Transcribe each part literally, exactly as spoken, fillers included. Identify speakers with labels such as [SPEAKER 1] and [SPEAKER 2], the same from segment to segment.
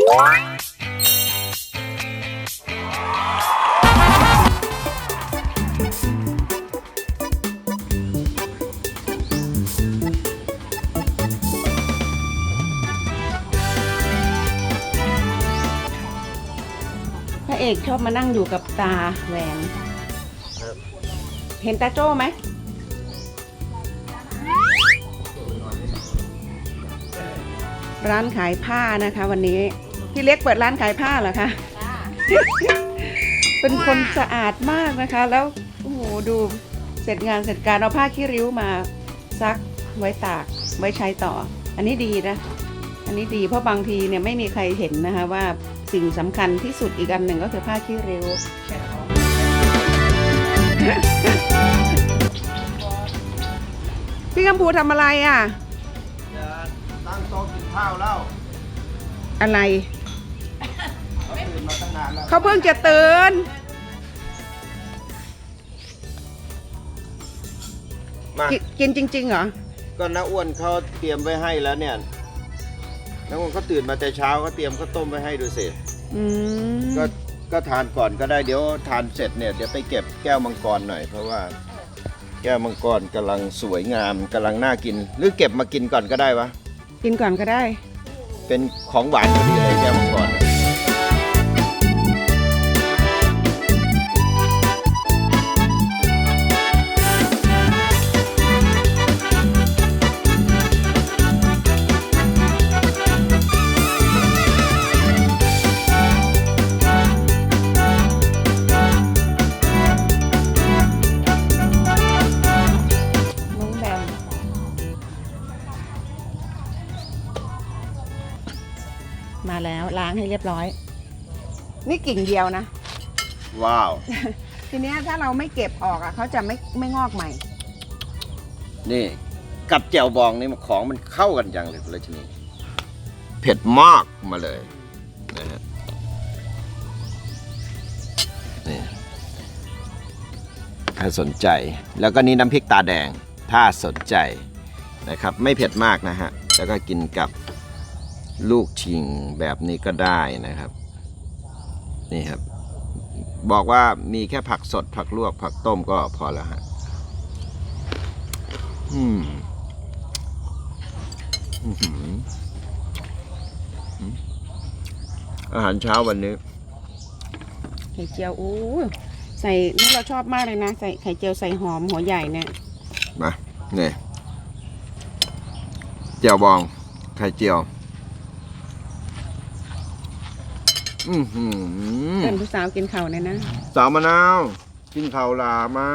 [SPEAKER 1] พระเอกชอบมานั่งอยู่กับตาแหวนเห็นตาโจ้ไหมร้านขายผ้านะคะวันนี้พี่เล็กเปิดร้านขายผ้าเหรอคะ เป็นคนสะอาดมากนะคะแล้วโอ้โหดูเสร็จงานเสร็จการเอาผ้าขี้ริ้วมาซักไว้ตากไว้ใช้ต่ออันนี้ดีนะอันนี้ดีเพราะบางทีเนี่ยไม่มีใครเห็นนะคะว่าสิ่งสำคัญที่สุดอีกอันหนึ่งก็คือผ้าขี้ริ้วพี่กัมพูทำอะไรอ่ะ
[SPEAKER 2] จะตั้งโต๊ะกินข้าวแล้ว
[SPEAKER 1] อะไร
[SPEAKER 2] เขาตื่นมาตั้งนานแล้ว
[SPEAKER 1] เขาเพิ่งจะตื่น
[SPEAKER 2] มา
[SPEAKER 1] กินจริงๆเหรอ
[SPEAKER 2] ก็น้าอ้วนเขาเตรียมไว้ให้แล้วเนี่ยน้าอ้วนเขาตื่นมาแต่เช้าเขาเตรียมข้าวต้มไว้ให้ดูสิก็ก็ทานก่อนก็ได้เดี๋ยวทานเสร็จเนี่ยเดี๋ยวไปเก็บแก้วมังกรหน่อยเพราะว่าแก้วมังกรกำลังสวยงามกำลังน่ากินหรือเก็บมากินก่อนก็ได้วะ
[SPEAKER 1] กินก่อนก็ได้
[SPEAKER 2] เป็นของหวานพอดีเลยแก้วมังกร
[SPEAKER 1] มาแล้วล้างให้เรียบร้อยนี่กิ่งเดียวนะ
[SPEAKER 2] ว้าว
[SPEAKER 1] ทีนี้ถ้าเราไม่เก็บออกอ่ะเขาจะไม่ไม่งอกใหม่
[SPEAKER 2] นี่กับแจ่วบองนี่มันของมันเข้ากันจังเลยเลยทีนี้เผ็ดมากมาเลยนะฮะนี่ถ้าสนใจแล้วก็นี่น้ำพริกตาแดงถ้าสนใจนะครับไม่เผ็ดมากนะฮะแล้วก็กินกับลูกชิงแบบนี้ก็ได้นะครับนี่ครับบอกว่ามีแค่ผักสดผักลวกผักต้มก็พอแล้วฮะอืมอาหารเช้าวันนี้
[SPEAKER 1] ไข่เจียวโอ้ใส่นี่เราชอบมากเลยนะใส่ไข่เจียวใส่หอมหัวใหญ่เนี่ย
[SPEAKER 2] มาเนี่ยเจียวบองไข่เจียวอืมหืม
[SPEAKER 1] เป็นผู้สาวกินข้าวเนี่ยนะ
[SPEAKER 2] สาวมะนาวกินข้าวลามา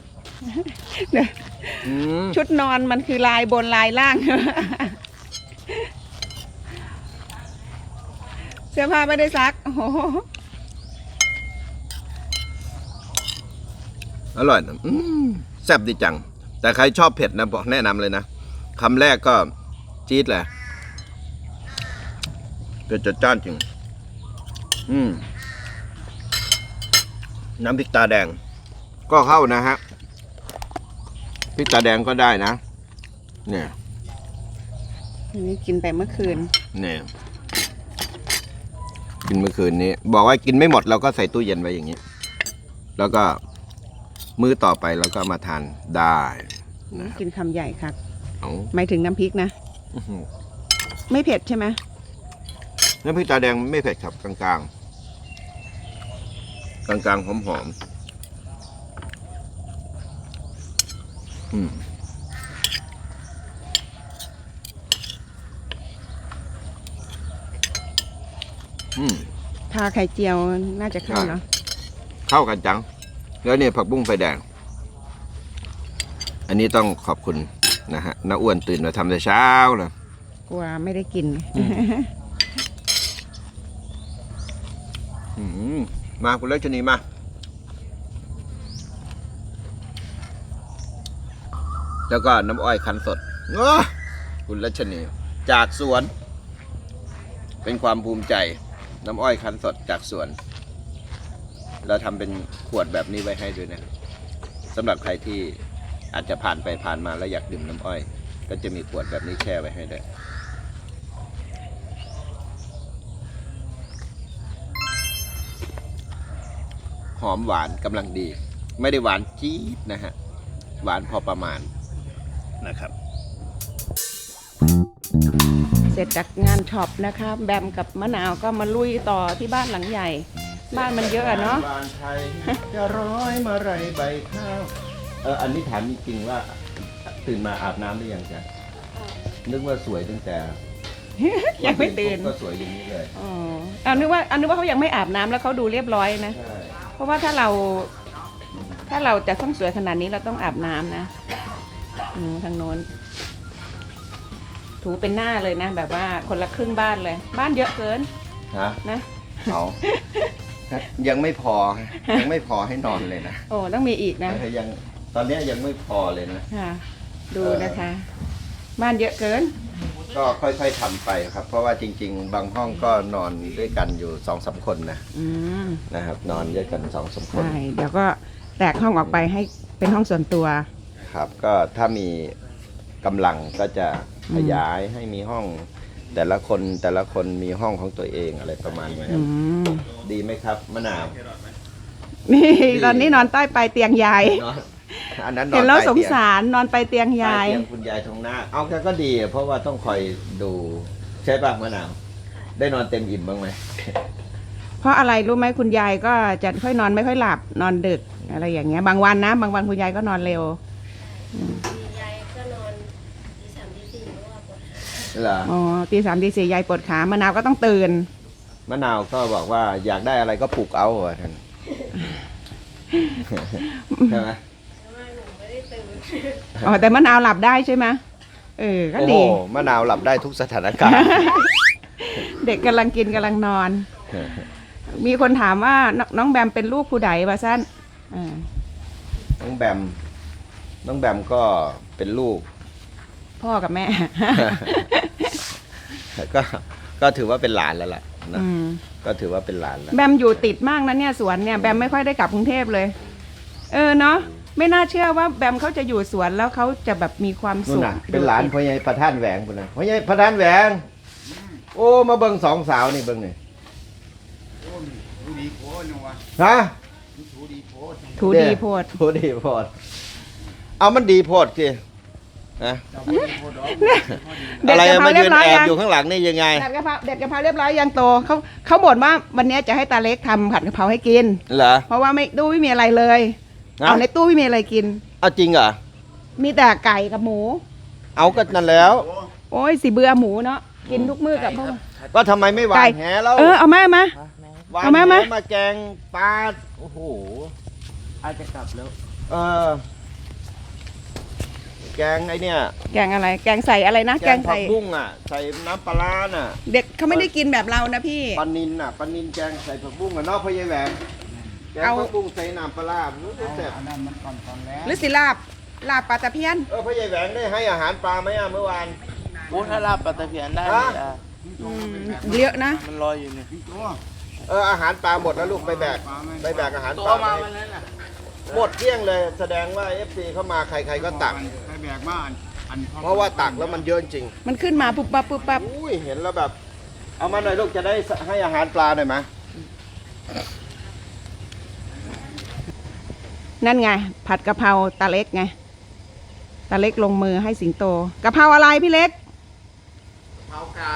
[SPEAKER 1] ชุดนอนมันคือลายบนลายล่างเสื้อผ้าไม่ได้ซักโอ้โห
[SPEAKER 2] อร่อยนะแซ่บดีจังแต่ใครชอบเผ็ดนะบอกแนะนำเลยนะคำแรกก็จี๊ดแหละเผ็ดจัดจ้านจริงอืมน้ำพริกตาแดงก็เข้านะฮะพริกตาแดงก็ได้นะเนี่ย
[SPEAKER 1] นี่กินไปเมื่อคืน
[SPEAKER 2] เนี่ยกินเมื่อคืนนี้บอกว่ากินไม่หมดเราก็ใส่ตู้เย็นไว้อย่างนี้แล้วก็มื้อต่อไปเราก็มาทานได้
[SPEAKER 1] กินคำใหญ่ครับ
[SPEAKER 2] เอา
[SPEAKER 1] หมายถึงน้ำพริกนะไม่เผ็ดใช่ไหม
[SPEAKER 2] น้ำพริกตาแดงไม่เผ็ดครับกลางๆกลางๆหอมๆอืมอืม
[SPEAKER 1] ทาไข่เจียวน่าจะเข้าเนาะ
[SPEAKER 2] เข้ากันจังแล้วเนี่ยผักบุ้งไฟแดงอันนี้ต้องขอบคุณนะฮะน้าอ้วนตื่นมาทำแต่เช้าเลย
[SPEAKER 1] กลัวไม่ได้กิน
[SPEAKER 2] มาคุณเล็กชนีมาแล้วก็น้ำอ้อยคั้นสดคุณรัชนีจากสวนเป็นความภูมิใจน้ำอ้อยคั้นสดจากสวนเราทำเป็นขวดแบบนี้ไว้ให้ด้วยนะสำหรับใครที่อาจจะผ่านไปผ่านมาแล้วอยากดื่มน้ำอ้อยก็จะมีขวดแบบนี้แช่ไว้ให้ด้วยหอมหวานกำลังดี ไม่ได้หวานจี๊ดนะฮะหวานพอประมาณนะครับ
[SPEAKER 1] เสร็จจากงานช็อปนะคะแบมกับมะนาวก็มาลุยต่อที่บ้านหลังใหญ่ บ้านมันเยอะอะเนาะ
[SPEAKER 2] บ้านไทยจะร้อยมาไรใบข้าวเอออันนี้ถามจริงๆว่าตื่นมาอาบน้ำหรือยังจ๊ะนึกว่าสวยตั้งแต่
[SPEAKER 1] ยังไม่ตื่น
[SPEAKER 2] ก็สวยอย่างนี้เลย
[SPEAKER 1] อ๋อเอานึกว่าเอานึกว่าเขายังไม่อาบน้ำแล้วเขาดูเรียบร้อยนะ
[SPEAKER 2] ใช่
[SPEAKER 1] เพราะว่าถ้าเราถ้าเราจะต้องสวยขนาดนี้เราต้องอาบน้ำนะอืมทางโน้น ถูเป็นหน้าเลยนะ แบบว่าคนละครึ่งบ้านเลย บ้านเยอะเกิน
[SPEAKER 2] ฮะ
[SPEAKER 1] นะ
[SPEAKER 2] เอายังไม่พอยังไม่พอให้นอนเลยนะ
[SPEAKER 1] โอ้ต้องมีอีกนะ
[SPEAKER 2] ยังตอนนี้ยังไม่พอเลยนะ
[SPEAKER 1] ค่ะ ดูนะคะ บ้านเยอะเกิน
[SPEAKER 2] ก็ค่อยๆทำไปครับ เพราะว่าจริง ๆ บางห้องก็นอนด้วยกันอยู่สองสามคนนะ
[SPEAKER 1] อืม
[SPEAKER 2] นะครับ นอนด้วยกันสองสามคน
[SPEAKER 1] ใช่ เดี๋ยวก็แตกห้องออกไปให้เป็นห้องส่วนตัว
[SPEAKER 2] ครับ ก็ถ้ามีกำลังก็จะขยายให้มีห้อง แต่ละคนแต่ละคนมีห้องของตัวเองอะไรประมาณนี้
[SPEAKER 1] อืม
[SPEAKER 2] ดีไหมครับมะนาว
[SPEAKER 1] นี่ตอนนี้นอนใต้ปลายเตียงยาย
[SPEAKER 2] นอนอันนั้นนอน
[SPEAKER 1] เห็นแล้ว
[SPEAKER 2] ใต้
[SPEAKER 1] สง
[SPEAKER 2] เตีย
[SPEAKER 1] สารนอนไปเตียง
[SPEAKER 2] ใต้
[SPEAKER 1] ยาย
[SPEAKER 2] เตียงคุณยายทองหน้า เอาแค่ก็ดี เพราะว่าต้องคอยดูใช่ป่ะมะนาว ได้นอนเต็มอิ่มบ้างไหม
[SPEAKER 1] เพราะอะไรรู้ไหมคุณยายก็จะค่อยนอนไม่ค่อยหลับนอนดึกอะไรอย่างเงี้ย บางวันนะ บางวันคุณยายก็นอนเร็ว
[SPEAKER 3] ยายก็นอนตีสามตีสี่เพราะว่าปวดขา
[SPEAKER 2] เหรอ
[SPEAKER 1] อ๋อตีสามตีสี่ยายปวดขามะนาวก็ต้องตื่น
[SPEAKER 2] มะนาวก็บอกว่าอยากได้อะไรก็ปลูกเอาอ่ะท่าน ใช่ไหม
[SPEAKER 3] เพราะว่าหนูไม่ได้ตื่น
[SPEAKER 1] อ๋อแต่มะนาวหลับได้ใช่ไหมเออก็
[SPEAKER 2] โอ้โห
[SPEAKER 1] ดี
[SPEAKER 2] มะนาวหลับได้ทุกสถานการณ์
[SPEAKER 1] เด็กกำลังกินกำลังนอน มีคนถามว่าน้องน้องแบมเป็นลูกผู้ใดวะสั้นอ่า
[SPEAKER 2] น้องแบม น้องแบมก็เป็นลูก
[SPEAKER 1] พ่อกับแม่
[SPEAKER 2] ก็ก็ถือว่าเป็นหลานแล้วล่ะนะ
[SPEAKER 1] อืม
[SPEAKER 2] ก็ถือว่าเป็นหลานแล้ว
[SPEAKER 1] แบมอยู่ติดมากนะเนี่ยสวนเนี่ยแบมไม่ค่อยได้กลับกรุงเทพเลย เออเนาะไม่น่าเชื่อว่าแบมเขาจะอยู่สวนแล้วเขาจะแบบมีความ
[SPEAKER 2] นู่
[SPEAKER 1] สุ
[SPEAKER 2] น
[SPEAKER 1] ข
[SPEAKER 2] น่ะเป็นหลานพ่อใหญ่ประธานแหวงคนนั้นพ่อใหญ่ประธานแหวง โอ้มาเบิ่งสองสาวนี่เบิ่งนี่
[SPEAKER 4] ดูดีโพสนะวะ
[SPEAKER 2] ฮะ
[SPEAKER 4] ดูดีโพส
[SPEAKER 1] ถูดีโพด
[SPEAKER 2] ถูดีโพดเอามันดีโพดสินะ
[SPEAKER 4] จะไม่ดีโพสดอก
[SPEAKER 1] เด็ด
[SPEAKER 2] อะไร
[SPEAKER 1] กะเพรา
[SPEAKER 2] มา
[SPEAKER 1] เรี
[SPEAKER 2] ยื
[SPEAKER 1] ย
[SPEAKER 2] น
[SPEAKER 1] บร้อย
[SPEAKER 2] แอบ
[SPEAKER 1] ยัง
[SPEAKER 2] อยู่ข้างหลังนี่ยังไง
[SPEAKER 1] เด็ดกะเพราเด็ดกะเพราเรียบร้อยยังโตเขาเขาบ่นว่าวันนี้จะให้ตาเล็กทำผัดกะเพราให้กิน
[SPEAKER 2] เหรอ
[SPEAKER 1] เพราะว่าไม่ตู้ไม่มีอะไรเลย
[SPEAKER 2] นะ
[SPEAKER 1] เอาในตู้ไม่มีอะไรกิน
[SPEAKER 2] เอาจริงเหรอ
[SPEAKER 1] มีแต่ไก่กับหมู
[SPEAKER 2] เอาก็นั่นแล้ว
[SPEAKER 1] โอ้ยสิเบื่อหมูเนาะกินทุกมื้อกับพ่อ
[SPEAKER 2] ก็ทำไมไม่หวา
[SPEAKER 1] ไก่
[SPEAKER 2] นแหแล้ว
[SPEAKER 1] เออเอามามา
[SPEAKER 2] หวาน
[SPEAKER 1] เอามา
[SPEAKER 2] แห
[SPEAKER 1] มา
[SPEAKER 2] มาแกงปลาโอ้โห
[SPEAKER 4] อาจจะกลับแล้ว
[SPEAKER 2] เออแกงไอเนี่ย
[SPEAKER 1] แกงอะไร แกงใส่อะไรนะ
[SPEAKER 2] แก
[SPEAKER 1] แก
[SPEAKER 2] ง
[SPEAKER 1] ง
[SPEAKER 2] ผั
[SPEAKER 1] ใส่
[SPEAKER 2] กบุ้งอ่ะ ใส่น้ำปลาร้าน่ะ
[SPEAKER 1] เด็กเขาไม่ได้กินแบบเรานะพี่
[SPEAKER 2] ปลานินน่ะปลานินแกงใส่ผักบุ้งอ่ะเนอกพะยายแหวงแกง
[SPEAKER 1] เอา
[SPEAKER 2] ผักบุ้งใส่น้ำปลาร้ารู้สึกแซ่บ
[SPEAKER 4] อันนั้นมันก่อนตอนแล้ว
[SPEAKER 1] หรือสิลาบลาบปลาตะเพียน
[SPEAKER 2] เออพะยายแหวงได้ให้อาหารปลาไหมอ่ะเมื่อวาน
[SPEAKER 5] โอ้ถ้าลาบปลาตะเพียนได้
[SPEAKER 2] ฮะ
[SPEAKER 5] อ่ะ
[SPEAKER 1] อืมเยอะนะ
[SPEAKER 5] มันลอยอยู่เนี่ย
[SPEAKER 4] พี่ตัว
[SPEAKER 2] เอออาหารปลาหมดแล้วลูกไปแบกไปแบกอาหาร
[SPEAKER 5] ตั
[SPEAKER 2] ป
[SPEAKER 5] ว
[SPEAKER 2] ลา
[SPEAKER 5] มา
[SPEAKER 2] ไป
[SPEAKER 5] วันนั้นอ่ะ
[SPEAKER 2] หมดเกลี้ยงเลย แสดงว่าเอฟซีเข้ามาใครๆก็ตัก
[SPEAKER 4] ไปแบกมาอันอัน
[SPEAKER 2] เพราะว่าตักแล้วมันเยอะจริง
[SPEAKER 1] มันขึ้นมาปุ๊บปั๊บปุ๊บปั๊บ
[SPEAKER 2] อุ้ยเห็นแล้วแบบ เอามาหน่อยลูกจะได้ให้อาหารปลาหน่อยไหม
[SPEAKER 1] นั่นไง ผัดกะเพราตาเล็กไงตาเล็กลงมือให้สิงโตกะเพราอะไรพี่เล็ก
[SPEAKER 2] เผาไก่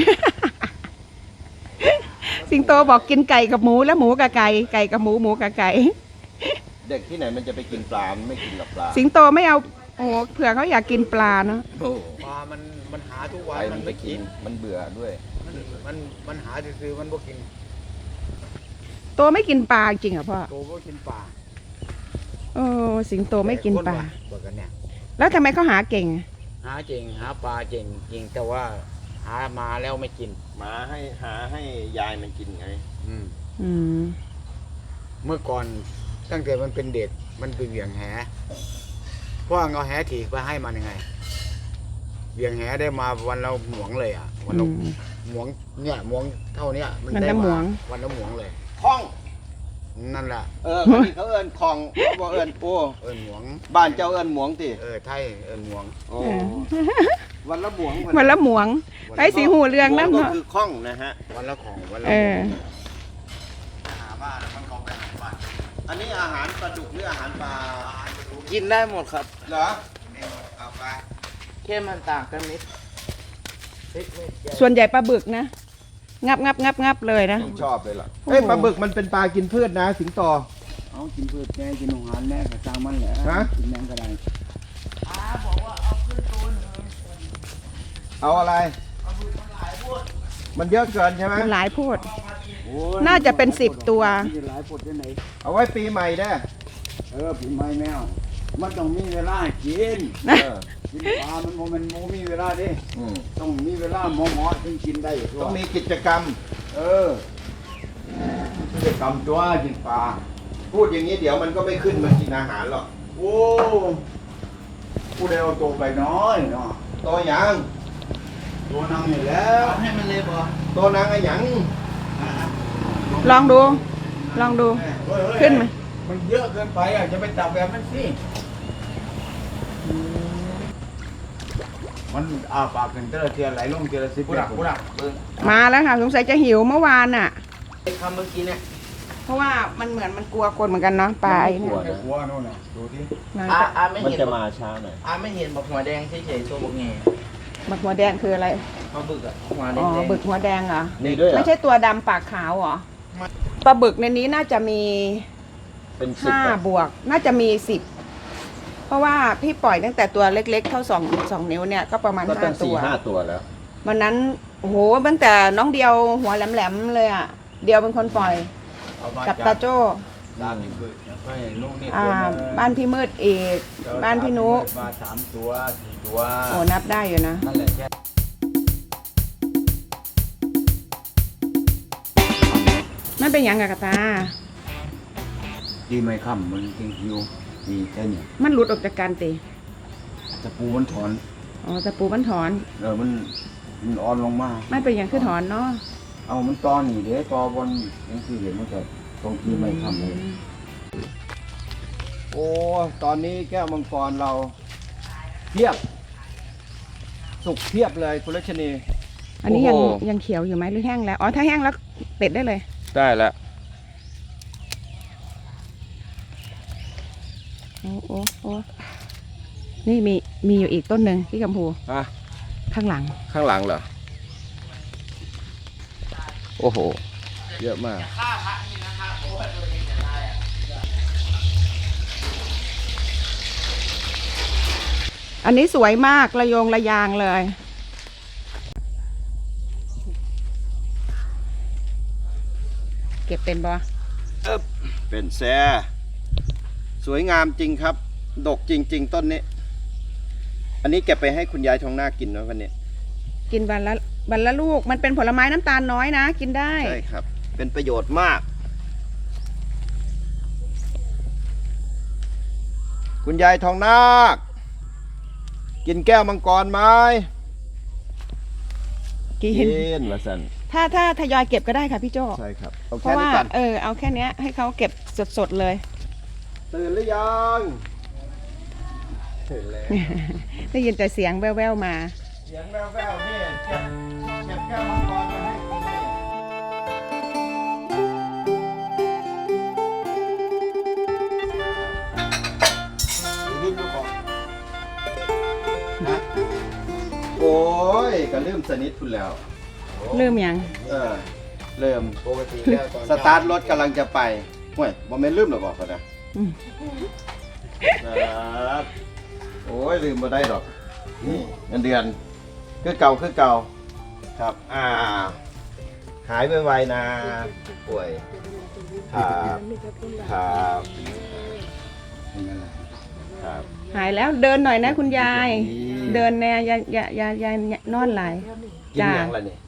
[SPEAKER 1] สิงโตบอกกินไก่กับหมูแล้วหมูกับไก่ไก่กับหมูหมูกับไก่
[SPEAKER 2] เด็กที่ไหนมันจะไปกินปลา มันไม่กินกับปลา
[SPEAKER 1] สิงโตไม่เอาโอ้โหเผื่อเขาอยากกินปลาเนาะ
[SPEAKER 2] โอ้
[SPEAKER 4] ปลามันมันหาทุก
[SPEAKER 2] ไป
[SPEAKER 4] วัน
[SPEAKER 2] มั
[SPEAKER 4] มัน น
[SPEAKER 2] ไป
[SPEAKER 4] ไม่
[SPEAKER 2] กิ
[SPEAKER 4] กิ
[SPEAKER 2] น
[SPEAKER 4] น
[SPEAKER 2] มันเบื่อด้วย
[SPEAKER 4] มันมันมันหาซื้อๆมันบ่กิน
[SPEAKER 1] โตไม่กินปลาจริงเหรอพ่อ
[SPEAKER 4] โตบ่กินปลา
[SPEAKER 1] โอ้สิงโตไม่กินปลา
[SPEAKER 4] บอกกันเนี่ย
[SPEAKER 1] แล้วทำไมเขาหาเก่ง
[SPEAKER 4] หาเก่งหาปลาเก่งจริงแต่ว่าหามาแล้วไม่กิน
[SPEAKER 2] หมาให้หาให้ยายมันกินไง
[SPEAKER 4] อืม
[SPEAKER 1] อืม
[SPEAKER 4] เมื่อก่อนตั้งแต่มันเป็นเด็กมันไปเหวี่ยงแหพ่อเอาแหถีบไปให้มันยังไงเหวี่ยงแหได้มาวันเราหมวงเลยอ่ะวัน
[SPEAKER 1] อื
[SPEAKER 4] เรา
[SPEAKER 1] ม
[SPEAKER 4] หมวงเนี่ยหมวงเท่าเนี้ยมัน
[SPEAKER 1] วัน
[SPEAKER 4] ได้
[SPEAKER 1] ละหมว
[SPEAKER 4] มาง วันละหมวงเลย
[SPEAKER 2] คล้อง
[SPEAKER 4] นั่นแหละ
[SPEAKER 2] เออคนนี้เขาเอินคลองเขาบอกเอินโอ้
[SPEAKER 4] เอินหมวง
[SPEAKER 2] บ้านเจ้าเอินหมวงติ
[SPEAKER 4] เออไทยเอินหมวง
[SPEAKER 2] โอ้วันละหมวง
[SPEAKER 1] วันละหมวงไอ้สีหูเรืองนั่น
[SPEAKER 2] หมวก็
[SPEAKER 1] เนาะ
[SPEAKER 2] คือคล้องนะฮะ
[SPEAKER 4] วันละของวันละ
[SPEAKER 1] เออ
[SPEAKER 4] หาบ้านมันก็ไปหาบ้าน
[SPEAKER 2] อันนี้อาหารปลาดุกหรืออาหารปลา
[SPEAKER 5] กินได้หมดครับ
[SPEAKER 2] เหรอเอาไป
[SPEAKER 5] แค่มันต่างกันนิด
[SPEAKER 1] ส่วนใหญ่ปลาบึกนะ งับงับงับงับเลยนะ
[SPEAKER 2] ชอบเลยล่ะ
[SPEAKER 1] โอ้โห
[SPEAKER 2] เอ้ยปลาบึกมันเป็นปลากินพืชนะ สิงโต
[SPEAKER 4] เอากินพืชแน่กินอาหารแน่ก็สร้างมันแหละ
[SPEAKER 2] ฮะ
[SPEAKER 4] กินแน่ก็ได้
[SPEAKER 2] เอาอะไร มันเยอะเกินใช่ไหม
[SPEAKER 1] มันหลายโพูด
[SPEAKER 4] โอ้ย
[SPEAKER 1] น่าจะเป็นสิบตัว
[SPEAKER 4] มีหลายปดที่ไหน
[SPEAKER 2] เอาไว้ปีใหม่ได้
[SPEAKER 4] เออปีใหม่แมวมันต้องมีเวลาให้กิน
[SPEAKER 2] เออ
[SPEAKER 4] กินปลามันโมมันโมมีเวลาดิ
[SPEAKER 2] อืม
[SPEAKER 4] ต้องมีเวลาหมอหมอถึงกินได้ตัว
[SPEAKER 2] ต้องมีกิจกรรม
[SPEAKER 4] เออกิจกรรมตัวกินปลา
[SPEAKER 2] พูดอย่างนี้เดี๋ยวมันก็ไม่ขึ้นมากินอาหารหรอก
[SPEAKER 4] โอ้ผู้ใดเอาตัวไปน้อยเนาะ
[SPEAKER 2] ตัวหยัง
[SPEAKER 4] ตัวนั่งอยู่แล้ว
[SPEAKER 5] ให้มันเลยบ่
[SPEAKER 2] ตัวนางไอ้หยัง
[SPEAKER 1] ลองดู ลองดู
[SPEAKER 4] เฮ้ยเฮ้ย
[SPEAKER 1] ขึ้นไหม
[SPEAKER 4] มันเยอะเกินไปอ่ะจะไปจับแบบนั้นสิมันอาปากกันเจอเทียไหลลงเทียละสิบ
[SPEAKER 5] กูดักกูดักเบิ้ง
[SPEAKER 1] มาแล้วค่ะ สงสัยจะหิวเมื่อวานอ่ะ
[SPEAKER 5] ไอ้คำเมื่อกี้เนี่ย
[SPEAKER 1] เพราะว่ามันเหมือนมันกลัวคนเหมือนกันเนาะปลาไอ้เนี่ย
[SPEAKER 4] ไอ้หัวโน่นน่ะดูที่
[SPEAKER 1] มัน
[SPEAKER 5] อา
[SPEAKER 1] จะ
[SPEAKER 5] อาไม่
[SPEAKER 2] มัน
[SPEAKER 5] เห็น
[SPEAKER 2] จะมาช้าหน่อย
[SPEAKER 5] อาไม่เห็นบอกหัวแดงเฉยๆตัวบกแง่
[SPEAKER 1] บักหัวแดงคืออะไร
[SPEAKER 5] เขาบึกอะหัวแด
[SPEAKER 1] อ๋อ
[SPEAKER 5] ง
[SPEAKER 1] บึกหัวแดงเหรอ
[SPEAKER 2] นี่ด้วยเหรอ
[SPEAKER 1] ไม่ใช่ตัวดำปากขาวเหรอ ปลาบึกในนี้น่าจะมี
[SPEAKER 2] เป็นสิบ
[SPEAKER 1] ห้า
[SPEAKER 2] อะ
[SPEAKER 1] บวก น่าจะมีสิบ เพราะว่าพี่ปล่อยตั้งแต่ตัวเล็กๆ เท่าสองสองนิ้วเนี่ยก็ประมาณ
[SPEAKER 2] ก็
[SPEAKER 1] ห้า
[SPEAKER 2] ตั้ง
[SPEAKER 1] ตั
[SPEAKER 2] สี่
[SPEAKER 1] ว
[SPEAKER 2] ห้าตัวแล้ว
[SPEAKER 1] วันนั้นโอ้โหตั้งแต่น้องเดียวหัวแหลมๆเลยอ่ะ เดียวเป็นคนปล่อย
[SPEAKER 4] เอามา
[SPEAKER 1] กับ
[SPEAKER 4] จั
[SPEAKER 1] ตา
[SPEAKER 4] บ
[SPEAKER 1] โจ้
[SPEAKER 4] ตามนี่คือไปลูกนี่
[SPEAKER 1] อ่า
[SPEAKER 4] ตัวหง
[SPEAKER 1] บ้านพี่มืดเอกบ้านพี่นุ
[SPEAKER 4] มาสามตัวสี่ตัว
[SPEAKER 1] โอ้นับได้อยู่นะ
[SPEAKER 4] นั่นแหละแค่
[SPEAKER 1] มันเป็นหยังกับกระตา
[SPEAKER 4] ดีไม่ค่ำมันจริงคิวดีแค่นี้
[SPEAKER 1] มันหลุดออกจากกันตี
[SPEAKER 4] ตะปูมันถอน
[SPEAKER 1] อ๋อตะปูมันถอน
[SPEAKER 4] เออมันมันอ่อนลงมา
[SPEAKER 1] ไม่เป็นอย่างคือถอนเนาะ
[SPEAKER 4] เอามันตอนนี่เดี๋ยวตอบนยังคือเห็นมันจะตรงที่ไม่ค่ำเลย
[SPEAKER 2] โอ้ ตอนนี้แก้วมังกรเราเพียบ สุกเพียบเลยคุณรัชนี
[SPEAKER 1] อันนี้ยัง
[SPEAKER 2] โอ้โห
[SPEAKER 1] ยังเขียวอยู่ไหมหรือแห้งแล้ว อ๋อถ้าแห้งแล้วเด็ดได้เลย
[SPEAKER 2] ได้แล้ว
[SPEAKER 1] โอ้โอ้โอ้นี่มีมีอยู่อีกต้นหนึ่งที่กัมพู
[SPEAKER 2] ฮะ
[SPEAKER 1] ข้างหลัง
[SPEAKER 2] ข้างหลังเหรอ โอ้โห เยอะมาก
[SPEAKER 5] ฆ่าพระนี่นะครับโอ้ยตัวเองจะได้อะ
[SPEAKER 1] อันนี้สวยมากระโยงระยางเลย เก็บเป็นบ่
[SPEAKER 2] เป็นแซ่สวยงามจริงครับ ดกจริง ๆ ต้นนี้ อันนี้เก็บไปให้คุณยายทองหน้ากินนะวันนี้
[SPEAKER 1] กินวันละวันละลูก มันเป็นผลไม้น้ำตาลน้อยนะ กินได้
[SPEAKER 2] ใช่ครับ เป็นประโยชน์มาก คุณยายทองนาค กินแก้วมังกรไหม
[SPEAKER 1] กิน
[SPEAKER 2] กินละสัน
[SPEAKER 1] ถ้าถ้าทยอยเก็บก็ได้ค่ะพี่โจ
[SPEAKER 2] ใช่ครับ เอา
[SPEAKER 1] เพ
[SPEAKER 2] แค่
[SPEAKER 1] ราะ
[SPEAKER 2] นี้
[SPEAKER 1] ว่า
[SPEAKER 2] ก่อน
[SPEAKER 1] เออเอาแค่เนี้ยให้เขาเก็บสดๆเลย
[SPEAKER 2] ตื่นหรือยังตื่นแล้ว
[SPEAKER 1] ได้ยินแต่เสียงแว่วๆมา
[SPEAKER 2] เสียงแว่วๆนี่เก็บเก็บแก้วมังกรมาให้กินนี่ลืมดูของนะโอ้ยก็ลืมสนิทคุณแล้ว
[SPEAKER 1] เริ่มยัง
[SPEAKER 2] เออ เริ่ม
[SPEAKER 4] ปกติแล้วตอน
[SPEAKER 2] สตาร์ทรถกำลังจะไปห่วยบอมเมนลืมหรอบอกเขานะ
[SPEAKER 1] อืม
[SPEAKER 2] ครับโอ้ยลืมมาได้หรอกนี่เงินเดือนคือเก่าคือเก่าครับ อ่า หายไวๆนะป่วยครับครับ
[SPEAKER 4] เป็นไงล่ะ
[SPEAKER 2] ครับ
[SPEAKER 1] หายแล้วเดินหน่อยนะคุณยาย
[SPEAKER 2] ดี
[SPEAKER 1] เดินแน่อย่าอย่าอย่าอย่านอนไหลาย
[SPEAKER 2] กิน
[SPEAKER 1] จ้า
[SPEAKER 2] ยังล่ะนี่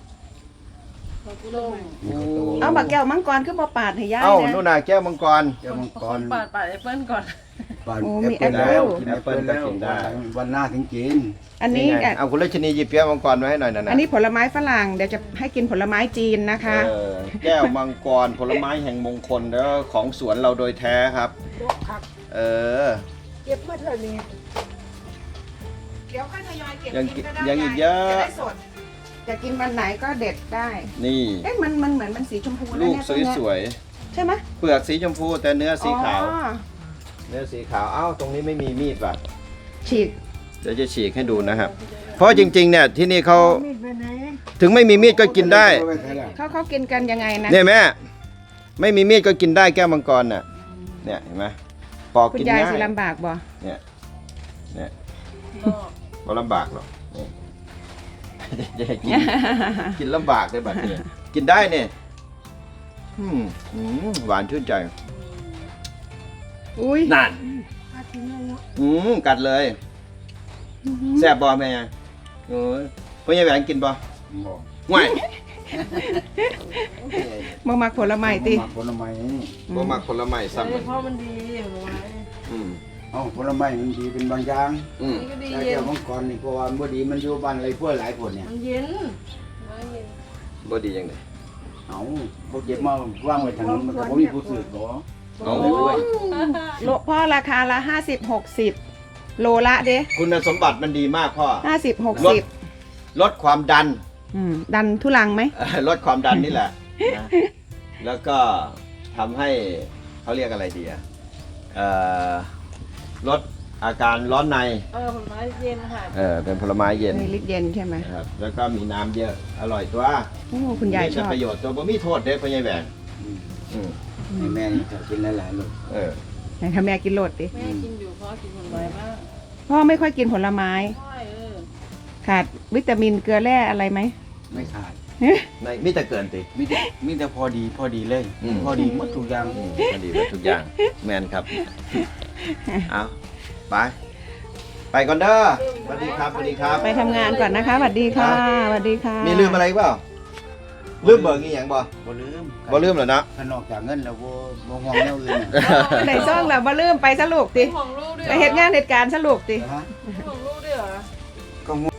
[SPEAKER 1] เอาบักแก้วมังกรขึ้นมาปาดให้ยาย
[SPEAKER 2] เอ้า
[SPEAKER 1] นะ
[SPEAKER 2] นู่นน่ะแก้วมังกร
[SPEAKER 4] เดี๋ยวมังกร
[SPEAKER 5] ปาดปาดแอปเปิ้ลก่อน
[SPEAKER 4] ปาน
[SPEAKER 1] โอ้มี
[SPEAKER 4] แอปเปิ้ล
[SPEAKER 1] แอปเปิ้ล
[SPEAKER 4] แล้วกิน
[SPEAKER 2] แอ
[SPEAKER 4] แอ
[SPEAKER 2] ป
[SPEAKER 4] ป
[SPEAKER 2] เปิ้
[SPEAKER 4] เปิ้
[SPEAKER 2] ล
[SPEAKER 4] ล
[SPEAKER 2] ก็
[SPEAKER 4] แล้ว
[SPEAKER 2] กินได้
[SPEAKER 4] วันหน้าถึงกิน
[SPEAKER 1] อันนี้
[SPEAKER 2] ไง
[SPEAKER 1] อ่ะ
[SPEAKER 2] เอาคุณรัชนีหยิบแก้วมังกรมาให้หน่อยนะนะ
[SPEAKER 1] อันนี้ผลไม้ฝรั่งเดี๋ยวจะให้กินผลไม้จีนนะคะ
[SPEAKER 2] เออแก้วมังกรผลไม้แห่งมงคลแล้วของสวนเราโดยแท้ครับ เออ
[SPEAKER 1] เก็บเมื่อเท่านี้เดี๋ยวค่อยทยอยเก็บ
[SPEAKER 2] ยัง
[SPEAKER 1] กินก็ได้
[SPEAKER 2] ยังอีกเยอะ
[SPEAKER 1] จะได้สดจะกินวันไหนก็เด็ดได้
[SPEAKER 2] นี่
[SPEAKER 1] เอ๊ะมันมันเหมือนมันสีชมพูนะ
[SPEAKER 2] ลูก
[SPEAKER 1] เนี่ย
[SPEAKER 2] ส
[SPEAKER 1] ต้นเนี้
[SPEAKER 2] วย
[SPEAKER 1] ใช่ไหม
[SPEAKER 2] เปลือกสีชมพูแต่เนื้อสีขาว
[SPEAKER 1] อ๋อ
[SPEAKER 2] เนื้อสีขาว เอ้า ตรงนี้ไม่มีมีดว่ะ
[SPEAKER 1] ฉีก
[SPEAKER 2] เดี๋ยวจะฉีกให้ดูนะครับ เพราะจริงๆ เนี่ยที่นี่เขาถึงไม่มีมีดก็กินได้
[SPEAKER 1] เขาเขากินกันยังไงนะ
[SPEAKER 2] เนี่ยแม่ ไม่มีมีดก็กินได้แก้วมังกรน่ะ เนี่ยเห็นไหมปอก
[SPEAKER 1] คุณ
[SPEAKER 2] กิน
[SPEAKER 1] ยาย
[SPEAKER 2] ง่าย
[SPEAKER 1] สิลำบากบ่
[SPEAKER 2] เนี่ย เนี่ยก็ลำบากหรอกนี่จะให้กิน กินลำบากได้บัดเนี่ยกินได้เนี่ยอืมอืมหวานชื่นใจ
[SPEAKER 1] อุ้ย
[SPEAKER 2] นั่นอืมกัดเลยแซ่บบอแม่โอ้ยพ่อใหญ่แหวนกินบอ
[SPEAKER 4] บอก
[SPEAKER 2] ห่วย
[SPEAKER 1] มามาผลไม้ติ
[SPEAKER 4] ผลไม้นี่
[SPEAKER 2] บ่มักผลไม้ซ้ำ
[SPEAKER 5] เพราะมันดีเอาไว้
[SPEAKER 2] อืม
[SPEAKER 4] เอ้าผลไม้มันดีเป็นบางอย่าง
[SPEAKER 2] อืม
[SPEAKER 5] นี่ก็ดี
[SPEAKER 4] แต่
[SPEAKER 5] เย็
[SPEAKER 4] แก้
[SPEAKER 5] น
[SPEAKER 4] วมังกรนี่เพราะว่าบ่ดีมันอยู่บ้านไรพวกหลายคนเนี่ย
[SPEAKER 5] มันเย็น
[SPEAKER 2] บ่ดียังไง
[SPEAKER 4] เอ้าพวกเก็บมาวางไว้ทางนั้นมันก็บ่มีผู้ซื้อหรอ
[SPEAKER 2] เอา
[SPEAKER 1] โลพ่อราคาละห้าสิบหกสิบโลละเด้
[SPEAKER 2] คุณสมบัติมันดีมากพ่อ
[SPEAKER 1] ห้าสิบหก
[SPEAKER 2] ลด
[SPEAKER 1] สิบ
[SPEAKER 2] ลดความดัน
[SPEAKER 1] ดันทุลังไหม
[SPEAKER 2] ลดความดันนี่แหละนะแล้วก็ทำให้เขาเรียกอะไรดีอะเอ่อลดอาการร้อนใน
[SPEAKER 5] เออผลไม้เย็นค่ะ
[SPEAKER 2] เออเป็นผลไม้เย็น
[SPEAKER 1] ในลิตรเย็นใช่ไหม
[SPEAKER 2] นะครับแล้วก็มีน้ำเยอะอร่อยตัว
[SPEAKER 1] โอ้คุณยาย
[SPEAKER 2] มี
[SPEAKER 1] ช
[SPEAKER 2] แต่
[SPEAKER 1] อบ
[SPEAKER 2] ประโยชน์ตัวบ่มีโทษเด้พ่อใหญ่แหวน
[SPEAKER 4] อืม
[SPEAKER 2] อืม
[SPEAKER 4] ให้แม่นี่จะกินหลายๆลูก
[SPEAKER 2] เออ
[SPEAKER 1] ไหนทำแม่กินโหลดดิ
[SPEAKER 5] แม่กินอยู่เพราะกินผลไม้มาก
[SPEAKER 1] พ่อไม่ค่อยกินผลไม้
[SPEAKER 5] ใช่เออ
[SPEAKER 1] ขาดวิตามินเกลือแร่อะไรไหม
[SPEAKER 4] ไม่ขาด
[SPEAKER 2] ในมีแต่เกินติ
[SPEAKER 4] มีแต่มีแต่พอดีพอดีเลย
[SPEAKER 2] อืม
[SPEAKER 4] พอดีหมดทุกอย่าง
[SPEAKER 2] อืมพอดีหมดทุกอย่างแมนครับเอาไปไปก่อนเด้อสวัสดีครับสวัสดีครับ
[SPEAKER 1] ไปทำงานก่อนนะคะสวัสดีค่ะสวัสดีค่ะ
[SPEAKER 2] มีลืมอะไรอีกเปล่าลืมเบิกอีหยังบ่
[SPEAKER 4] บ่ลืม
[SPEAKER 2] บ่ลืมเหรอนะ
[SPEAKER 4] ถ้านอกจากเงินแล้วบ่บ่ห่วงแนวอื่นน่ะ
[SPEAKER 1] ไหนซ่องแล้วมาลืมไปสรุปติ
[SPEAKER 5] ของลูกด้วย
[SPEAKER 1] ไปเหตุงานเหตุการณ์สรุปติ
[SPEAKER 4] ฮะ
[SPEAKER 5] ของลูกด้วยเหรอ
[SPEAKER 4] ก็ง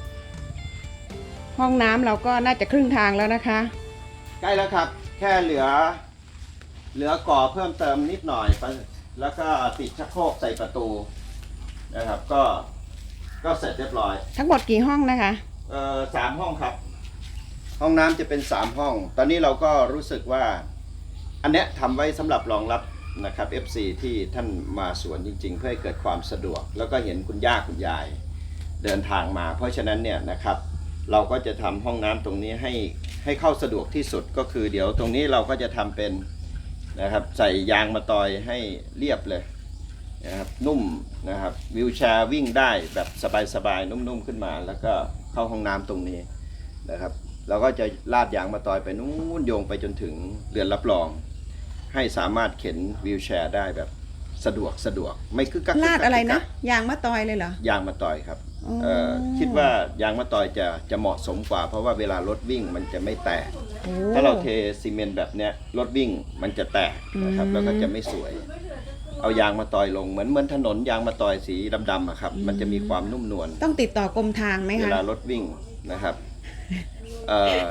[SPEAKER 1] ห้องน้ำเราก็น่าจะครึ่งทางแล้วนะคะ
[SPEAKER 2] ใกล้แล้วครับ แค่เหลือ เหลือก่อเพิ่มเติมนิดหน่อยไปแล้วก็ติดชักโครกใส่ประตูนะครับ ก็ก็เสร็จเรียบร้อย
[SPEAKER 1] ทั้งหมดกี่ห้องนะคะ
[SPEAKER 2] เอ่อสามห้องครับ ห้องน้ำจะเป็นสามห้อง ตอนนี้เราก็รู้สึกว่า อันเนี้ยทำไว้สำหรับรองรับนะครับ เอฟ ซี ที่ท่านมาสวนจริง ๆ เพื่อให้เกิดความสะดวก แล้วก็เห็นคุณย่าคุณยายเดินทางมา เพราะฉะนั้นเนี่ยนะครับ เราก็จะทำห้องน้ำตรงนี้ให้ให้เข้าสะดวกที่สุดก็คือ เดี๋ยวตรงนี้เราก็จะทำเป็นนะครับใส่ยางมะตอยให้เรียบเลยนะครับนุ่มนะครับวิวแชร์วิ่งได้แบบสบายๆนุ่มๆขึ้นมา แล้วก็เข้าห้องน้ำตรงนี้นะครับ เราก็จะลาดยางมะตอยไปนู้นโยงไปจนถึงเรือนรับรอง ให้สามารถเข็นวิวแชร์ได้แบบสะดวกสะดวกไม่คึกกัก
[SPEAKER 1] ลาดอะไรนะ
[SPEAKER 2] คึกกัก
[SPEAKER 1] ยางมะตอยเลยเหรอ
[SPEAKER 2] ยางมะตอยครับ
[SPEAKER 1] อ๋อ
[SPEAKER 2] เอ่อคิดว่ายางมะตอยจะจะเหมาะสมกว่า เพราะว่าเวลารถวิ่งมันจะไม่แตก
[SPEAKER 1] โอ้
[SPEAKER 2] ถ้าเราเทซีเมนต์แบบเนี้ยรถวิ่งมันจะแตกนะครับ
[SPEAKER 1] อืม
[SPEAKER 2] แล้วก็จะไม่สวย เอายางมาตอยลงเหมือนเหมือนถนนยางมาตอยสีดำๆอะครับ มันจะมีความนุ่มนวล
[SPEAKER 1] ต้องติดต่อกรมทางไหม
[SPEAKER 2] เว
[SPEAKER 1] คะ
[SPEAKER 2] ลารถวิ่งนะครับเอ่อก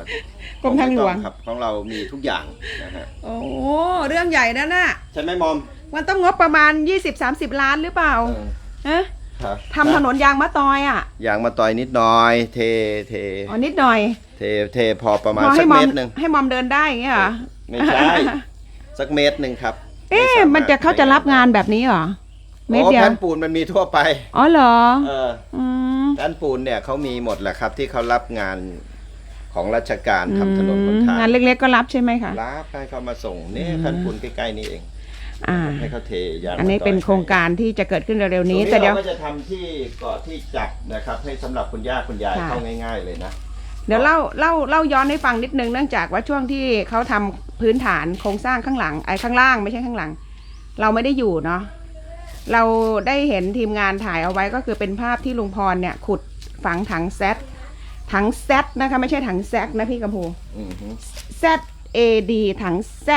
[SPEAKER 1] รมทางหลวง
[SPEAKER 2] ของไม่ต้อครับของเรามีทุกอย่างนะฮะ
[SPEAKER 1] โอ้เรื่องใหญ่นะน่ะ
[SPEAKER 2] ใช่ไหมมอม
[SPEAKER 1] มันต้องงบประมาณ ยี่สิบสามสิบ ล้านหรือเปล่า
[SPEAKER 2] เออ
[SPEAKER 1] ฮะ
[SPEAKER 2] ครับ
[SPEAKER 1] ทำถนนยางมะตอยอ่ะ
[SPEAKER 2] ยางมาตอยนิดหน่อย เทเท
[SPEAKER 1] อ๋อนิดหน่อย
[SPEAKER 2] เทเทพอประมาณ
[SPEAKER 1] พอ
[SPEAKER 2] สั
[SPEAKER 1] ให้
[SPEAKER 2] ก
[SPEAKER 1] มอ
[SPEAKER 2] เม
[SPEAKER 1] ม
[SPEAKER 2] ตรหนึ่ง
[SPEAKER 1] ให้มอมเดินได้อย่างเงี้ยเหรอ
[SPEAKER 2] ไม่ใช่ สักเมตรหนึ่งครับ
[SPEAKER 1] เอ๊ะ
[SPEAKER 2] ไสาารถ
[SPEAKER 1] มันจะเขาจะรับงานแบบนี้เหรอ เม็ด
[SPEAKER 2] โอ้
[SPEAKER 1] เดียว
[SPEAKER 2] แผ่นปูนมันมีทั่วไป
[SPEAKER 1] อ๋อเหรอ
[SPEAKER 2] เออ
[SPEAKER 1] อืม
[SPEAKER 2] แผ่นปูนเนี่ยเขามีหมดแหละครับ ที่เขารับงานของราชการทำถนนบนทาง
[SPEAKER 1] งานเล็กๆก็รับใช่ไหมคะ
[SPEAKER 2] รับให้เขามาส่งนี่
[SPEAKER 1] อืม
[SPEAKER 2] แผ่นปูนใกล้ๆนี่เอง
[SPEAKER 1] อ่า
[SPEAKER 2] ให้เขาเทยาง
[SPEAKER 1] อันนี้
[SPEAKER 2] มาต่ย
[SPEAKER 1] เป็นโครงการที่จะเกิดขึ้นเร็วๆนี้
[SPEAKER 2] ตรง
[SPEAKER 1] แต่เดี๋ยว
[SPEAKER 2] เราก็จะทำที่เกาะที่จับนะครับ ให้สำหรับคุณย่าคุณยาย
[SPEAKER 1] ค่ะ
[SPEAKER 2] เข้าง่าย ๆ เลยนะ
[SPEAKER 1] เดี๋ยวเล่าเล่าเล่าย้อนให้ฟังนิดนึงเนื่องจากว่าช่วงที่เขาทำพื้นฐานโครงสร้างข้างหลังไอ้ข้างล่างไม่ใช่ข้างหลัง เราไม่ได้อยู่เนาะเราได้เห็นทีมงานถ่ายเอาไว้ก็คือเป็นภาพที่ลุงพรเนี่ยขุดฝังถังแซดถังแซดนะคะไม่ใช่ถังแซกนะพี่กัมพู
[SPEAKER 2] อือฮึ
[SPEAKER 1] Z A D ถัง Z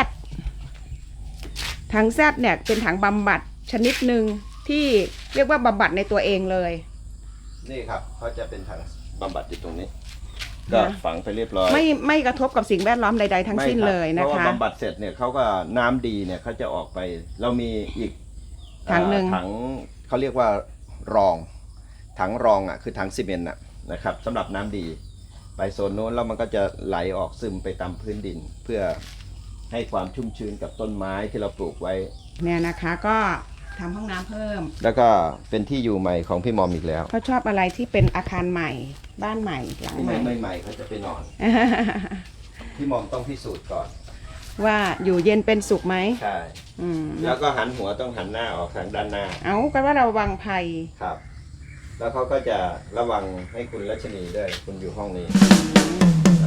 [SPEAKER 1] ถัง Z เนี่ยเป็นถังบำบัดชนิดหนึ่งที่เรียกว่าบำบัดในตัวเองเลย
[SPEAKER 2] นี่ครับเขาจะเป็นถังบำบัดอยู่ตรงนี้ ก็ฝังไปเรียบร้อย
[SPEAKER 1] ไม่ไม่กระทบกับสิ่งแวดล้อมใดๆทั้งสิ้น
[SPEAKER 2] ไม่ครับ
[SPEAKER 1] เลยนะ
[SPEAKER 2] เพราะว่า
[SPEAKER 1] คะ
[SPEAKER 2] บำบัดเสร็จเนี่ยเขาก็น้ำดีเนี่ยเขาจะออกไป เรามีอีก
[SPEAKER 1] ถังหนึ่ง
[SPEAKER 2] เอ่อถังเขาเรียกว่ารอง ถังรองอ่ะคือถังซีเมนต์อ่ะนะครับสำหรับน้ำดี ไปโซนโน้นแล้วมันก็จะไหลออกซึมไปตามพื้นดิน เพื่อให้ความชุ่มชื้นกับต้นไม้ที่เราปลูกไว้
[SPEAKER 1] เนี่ยนะคะก็ทำห้องน้ำเพิ่ม
[SPEAKER 2] แล้วก็เป็นที่อยู่ใหม่ของพี่มอมอีกแล้ว
[SPEAKER 1] เขาชอบอะไรที่เป็นอาคารใหม่ บ้านใหม่หลัง
[SPEAKER 2] ที่
[SPEAKER 1] ใหม่
[SPEAKER 2] ไม่ใหม่เขาจะไปนอน พี่มอมต้องพิสูจน์ก่อน
[SPEAKER 1] ว่าอยู่เย็นเป็นสุขไหม
[SPEAKER 2] ใช่
[SPEAKER 1] อืม
[SPEAKER 2] แล้วก็หันหัวต้องหันหน้าออกทางด้านหน้า
[SPEAKER 1] เอากันว่าเราวังภัย
[SPEAKER 2] ครับ แล้วเขาก็จะระวังให้คุณรัชนีด้วย คุณอยู่ห้องนี้ครับ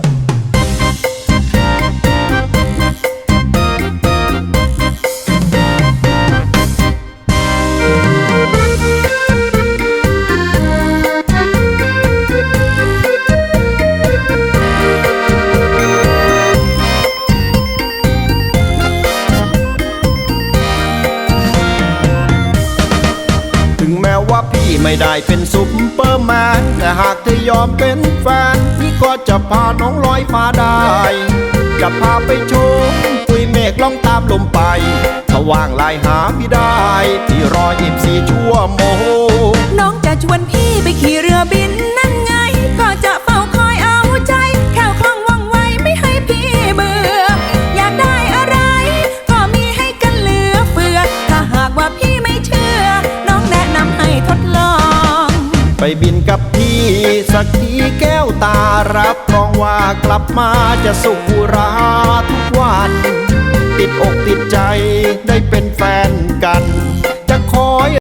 [SPEAKER 2] ถึงแม้ว่าพี่ไม่ได้เป็นซุปเปอร์แมนแต่หากเธอยอมเป็นแฟนพี่ก็จะพาน้องลอยฟ้าได้ จะพาไปชมปุยเมฆล่องตามลมไปถ้าว่างไลน์หาพี่ได้พี่รอยี่สิบสี่ชั่วโมง
[SPEAKER 6] น้องจะชวนพี่ไปขี่เรือบินนั่นไง ก็จะเฝ้าคอยเอาใจแค่วคล่องว่องไวไม่ให้พี่เบื่อ อยากได้อะไร ก็มีให้กันเหลือเฟือ ถ้าหากว่าพี่ไม่เชื่อ น้องแนะนำให้ทดลอง
[SPEAKER 2] ไปบินกับพี่สักทีแก้วตารับรองว่ากลับมาจะสุขราทุกวัน ติดอกติดใจได้เป็นแฟนกัน จะคอย